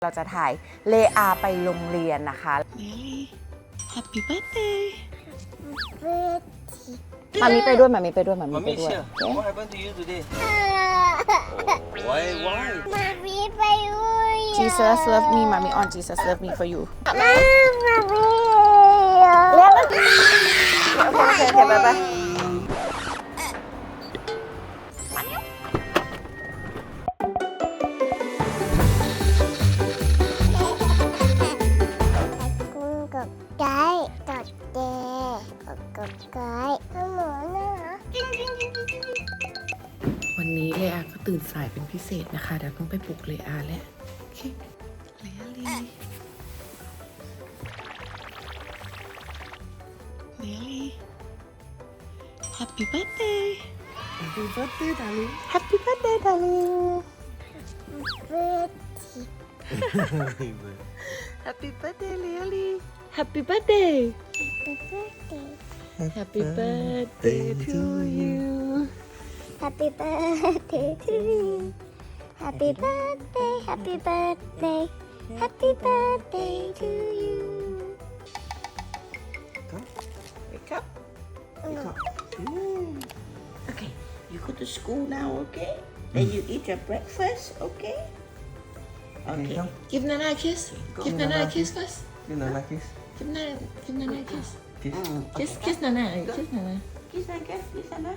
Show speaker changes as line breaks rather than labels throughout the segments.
เราจะถ่ายเลอาไปโรงเรียนนะคะ
Happy birthday
มามีไปด้วยมามีไปด้วยมามีไป
Mommy
ด้วย
here. What happened to you today? Why?
Mommy ไปด้วย
Jesus love me mommy on Jesus love me for you
เรียกมัน
โอเคไปไป
คุณกับไก่กับเจกับไก่ทั้งหมดนะ
วันนี้เลอาก็ตื่นสายเป็นพิเศษนะคะเดี๋ยวต้องไปปลุกเลอาแล้วโอเคเลอาลีHappy birthday Happy birthday darling
Happy birthday darling
เบิร์ด
Happy birthday เลอาลี Happy birthday
เบิร์ด
Happy birthday to you
Happy birthday to you Happy birthday Happy birthday Happy birthday to you
Wake up Okay you go to school now okay then you eat your breakfast okay Okay
come.
give Nana a kiss give Nana a kiss first
You know, like this.
give Nana a kiss
Kiss.
kiss Nana kiss Nana kiss Nana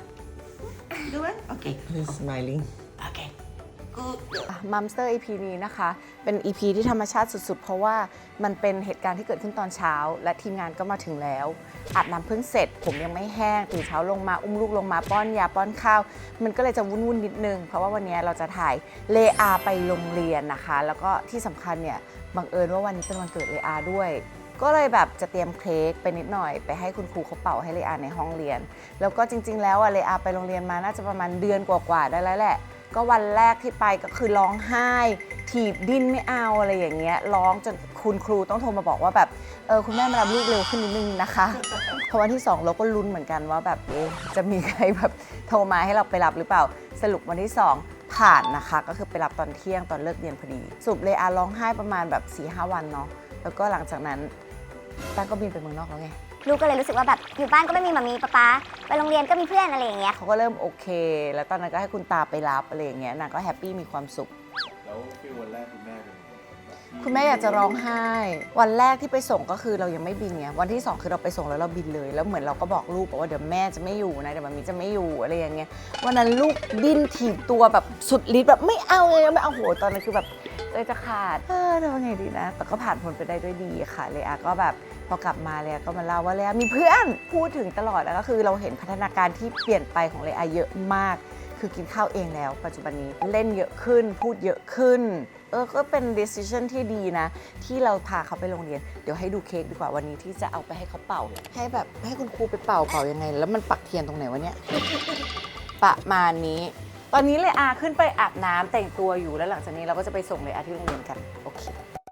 do it okay
He's smiling.
okay good
มัมสเตอร์ EP นี้นะคะเป็น EP ที่ธรรมชาติสุดๆ เพราะว่ามันเป็นเหตุการณ์ที่เกิดขึ้นตอนเช้าและทีมงานก็มาถึงแล้วอาบน้ำเพิ่งเสร็จผมยังไม่แห้งตื่นเช้าลงมาอุ้มลูกลงมาป้อนยาป้อนข้าวมันก็เลยจะวุ่นๆนิดนึงเพราะว่าวันนี้เราจะถ่ายเลอาไปโรงเรียนนะคะแล้วก็ที่สำคัญเนี่ยบังเอิญว่าวันนี้เป็นวันเกิดเลอาด้วยก็เลยแบบจะเตรียมเค้กไปนิดหน่อยไปให้คุณครูเขาเป่าให้เลอาในห้องเรียนแล้วก็จริงๆแล้วเลอาไปโรงเรียนมาน่าจะประมาณเดือนกว่าๆได้แล้วแหละก็วันแรกที่ไปก็คือร้องไห้ถีบดิ้นไม่เอาอะไรอย่างเงี้ยร้องจนคุณครูต้องโทรมาบอกว่าแบบคุณแม่มารับลูกเร็วขึ้นนิดนึงนะคะพอวันที่2เราก็ลุ้นเหมือนกันว่าแบบจะมีใครแบบโทรมาให้เราไปรับหรือเปล่าสรุปวันที่2ผ่านนะคะก็คือไปรับตอนเที่ยงตอนเลิกเรียนพอดีสรุปเลอาร้องไห้ประมาณแบบ 4-5 วันเนาะแล้วก็หลังจากนั้นตั้งก็บินไปเมืองนอกแล้วไง
ลูกก็เลยรู้สึกว่าแบบอยู่บ้านก็ไม่มีมามีป๊าไปโรงเรียนก็มีเพื่อนอะไรอย่างเงี้ย
เขาก็เริ่มโอเค แล้วตอนนั้นก็ให้คุณตาไปรับอะไรอย่างเงี้ยนางก็แฮปปี้มีความสุข
แล้วฟีลวันแรกคุณแม่เป็น
คุณแม่อยากจะร้องไห้ วันแรกที่ไปส่งก็คือเรายังไม่บินไงวันที่2คือเราไปส่งแล้วเราบินเลยแล้วเหมือนเราก็บอกลูกว่าเดี๋ยวแม่จะไม่อยู่นะเดี๋ยวมัมมี่จะไม่อยู่อะไรอย่างเงี้ยวันนั้นลูกดิ้นถีบตัวแบบสุดฤทธิ์แบบไม่เอาเลยไม่เอาโหตอนนั้นคือแบบจะขาดทำไงดีนะแต่ก็ผ่านพ้นไปได้ด้วยดีค่ะเลอาก็แบบพอกลับมาเลอาก็มาเล่าว่าเลอามีเพื่อนพูดถึงตลอดแล้วก็คือเราเห็นพัฒนาการที่เปลี่ยนไปของเลอาเยอะมากคือกินข้าวเองแล้วปัจจุบันนี้เล่นเยอะขึ้นพูดเยอะขึ้นก็เป็น decision ที่ดีนะที่เราพาเขาไปโรงเรียนเดี๋ยวให้ดูเค้กดีกว่าวันนี้ที่จะเอาไปให้เขาเป่าให้แบบให้คุณครูไปเป่ายังไงแล้วมันปักเทียนตรงไหนวะเนี่ย ประมาณนี้ตอนนี้เลอาขึ้นไปอาบน้ำแต่งตัวอยู่แล้วหลังจากนี้เราก็จะไปส่งเลอาที่โรงเรียนกันโอเค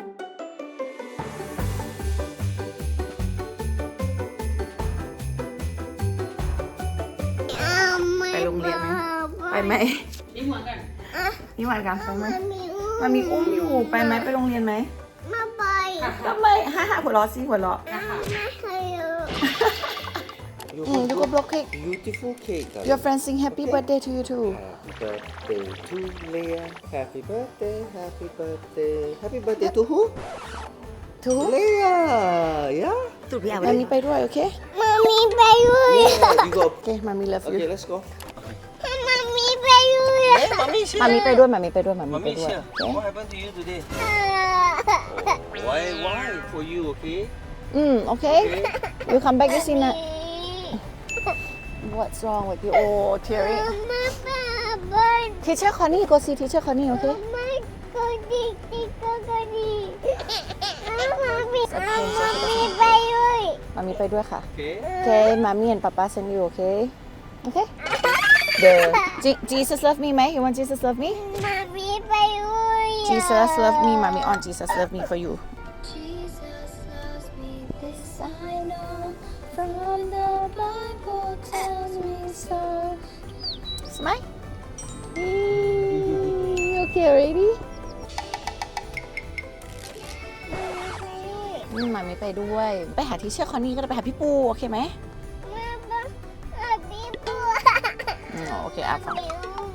ไปโรงเรียนไหมไปไหมนี่หวานกันนี่หวานกันไปไหมมันมีอุ้มอยู่ไปไหมไปโรงเรียนไหม
มาไป
ก็ไม่ฮ่าหัวเราะสิหัวเราะ
ไม่เคยรู้
you go block cake
Beautiful cake.
your friends sing happy birthday to you too
Happy birthday to Leah. Happy birthday. Happy birthday. Happy birthday to who?
to
Leah. Yeah.
มามีไปด้วยโอเค
มามีไปด้วย
Yeah. You go.
โอเคมามี love you
Okay, let's go.
มามีไปด้วย
Hey, mommy's here.
มามีไปด้วยมามีไปด้วยมามีไป
Mommy's
ด้วย
here.
โอเค
What happened to you today? Why? For you, okay?
โอเค you come back you see na what's wrong with you oh teary
มาป้าบ้าน
teacher Connie go see teacher Connie โอเค
ไม่ก็ดีก็ดีมามีไปด้วย
มามีไปด้วยค่ะ
Okay.
โอเคมามี and papa send you โอเคโอเค the Jesus love me ไหม you want Jesus love me
มามีไปด้วย
Jesus love me มามี on Jesus love me for you
Jesus loves me this I know from the Bible tells me so
smile okay ready มาไม่ไปด้วย ไปหาที่เชื่อคอนนี่ก็ได้ไปหาพี่ปูโอเคไหมโอเคอ่ะฟัง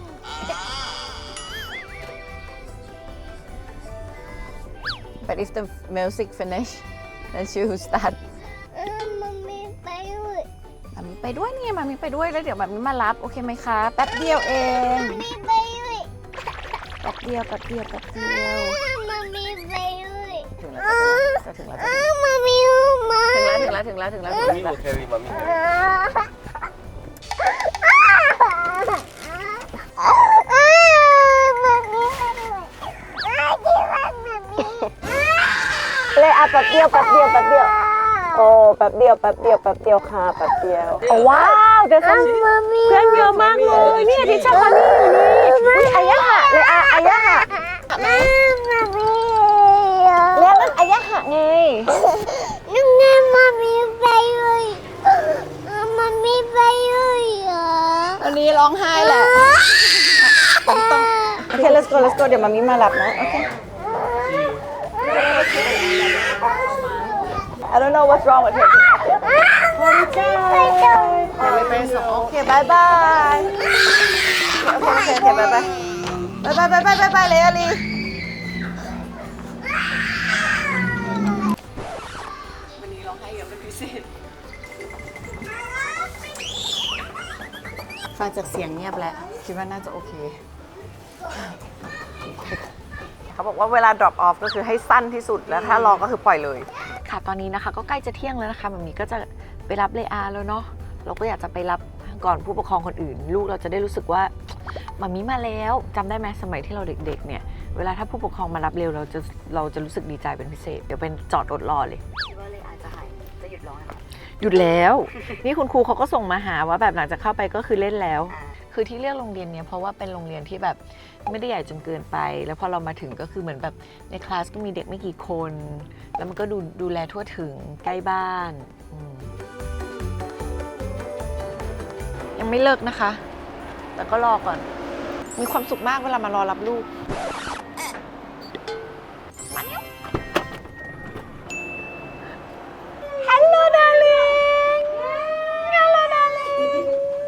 But if the music finish then she will start มามีไปด้วยนี่มามีไปด้วยแล้วเดี๋ยวมามีมารับโอเคไหมคะแป๊บเดียวเองแป๊บเดียวถึงแล้วถึงแล้ว
Mommy will carry mommy.
เลยอ่ะแป๊บเดียวโอ้แป๊บเดียวค่ะแป๊บเดียวโอ้ว้าวเดี๋ยวเพื่อนเยอะมากเลยเนี่ยที่ชอบคนนี้อยู่นี่อายะหะเลยอ่ะอายะหะเรียกนั่นอายะหะไงวันนี้ร้องไห้แหละต้องโอเค let's go เดี๋ยวมามิมารับนะโอเค I don't know what's wrong with her. ไม่เป็นสองโอเคบายบายโอเคบายบายเลยอาลีวันนี้ร้องไห้เยอะเป็นพิเศษฟังจากเสียงเงียบแล้วคิดว่าน่าจะโอเคเขาบอกว่าเวลา drop off ก็คือให้สั้นที่สุดแล้วถ้ารอก็คือปล่อยเลยค่ะตอนนี้นะคะก็ใกล้จะเที่ยงแล้วนะคะแบบนี้ก็จะไปรับเลอาแล้วเนาะเราก็อยากจะไปรับก่อนผู้ปกครองคนอื่นลูกเราจะได้รู้สึกว่ามามีมาแล้วจำได้ไหมสมัยที่เราเด็กๆเนี่ยเวลาถ้าผู้ปกครองมารับเร็วเราจะรู้สึกดีใจเป็นพิเศษเดี๋ยวเป็นจอดรถรอเลยคิดว่าเลอาจะหยุดร้องหยุดแล้ว นี่คุณครูเขาก็ส่งมาหาว่าแบบหลังจากเข้าไปก็คือเล่นแล้วคือที่เลือกโรงเรียนเนี้ยเพราะว่าเป็นโรงเรียนที่แบบไม่ได้ใหญ่จนเกินไปแล้วพอเรามาถึงก็คือเหมือนแบบในคลาสก็มีเด็กไม่กี่คนแล้วมันก็ดูแลทั่วถึงใกล้บ้านยังไม่เลิกนะคะแต่ก็รอก่อนมีความสุขมากเวลามารอรับลูกมาเร็ว Hello darling Hello darling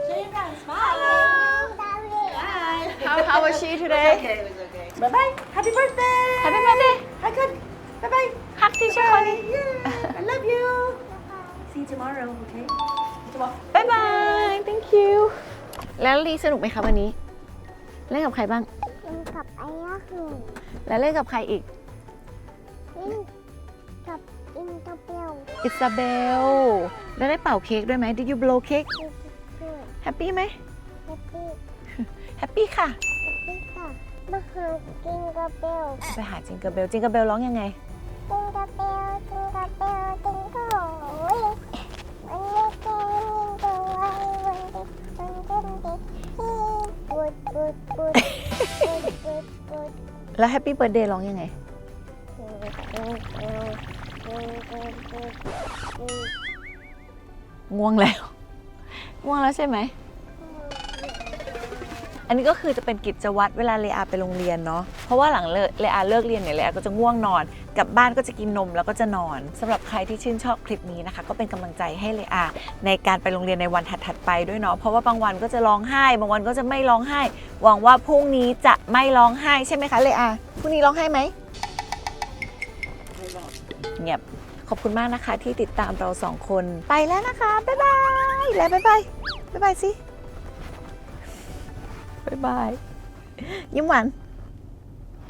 How was she today?
Bye bye. Happy birthday.
Happy birthday.
Hi, good. Bye bye.
Hug teacher Connie.
I love you. See you tomorrow, okay?
Bye bye. Thank you. แล้วลีสนุกไหมคะวันนี้ เล่นกับใครบ้าง แล้วเล่นกับใครอีก อิซาเบล แล้วได้เป่าเค้กด้วยไหม Did you blow cake? Happy ไหม Happy ค่ะ ไปหาจิงเกอร์เบล จิงเกอร์เบลร้องยังไง แล้วแฮปปี้เบิร์ธเดย์ร้องยังไง ง่วงแล้ว ง่วงแล้วใช่ไหม อันนี้ก็คือจะเป็นกิจวัตรเวลาเลอาไปโรงเรียนเนาะ เพราะว่าหลังเลอาเลิกเรียนเนี่ยเลอาก็จะง่วงนอน กลับบ้านก็จะกินนมแล้วก็จะนอนสำหรับใครที่ชื่นชอบคลิปนี้นะคะก็เป็นกำลังใจให้เลอาในการไปโรงเรียนในวันถัดๆไปด้วยเนาะ เพราะว่าบางวันก็จะร้องไห้ บางวันก็จะไม่ร้องไห้ หวังว่าพรุ่งนี้จะไม่ร้องไห้ใช่ไหมคะเลอาพรุ่งนี้ร้องไห้ไหมเงียบ ขอบคุณมากนะคะที่ติดตามเรา2 คนไปแล้วนะคะบ๊ายบายแล้วบ๊ายบายบ๊ายบายสิบ๊ายบายยิ้มหวาน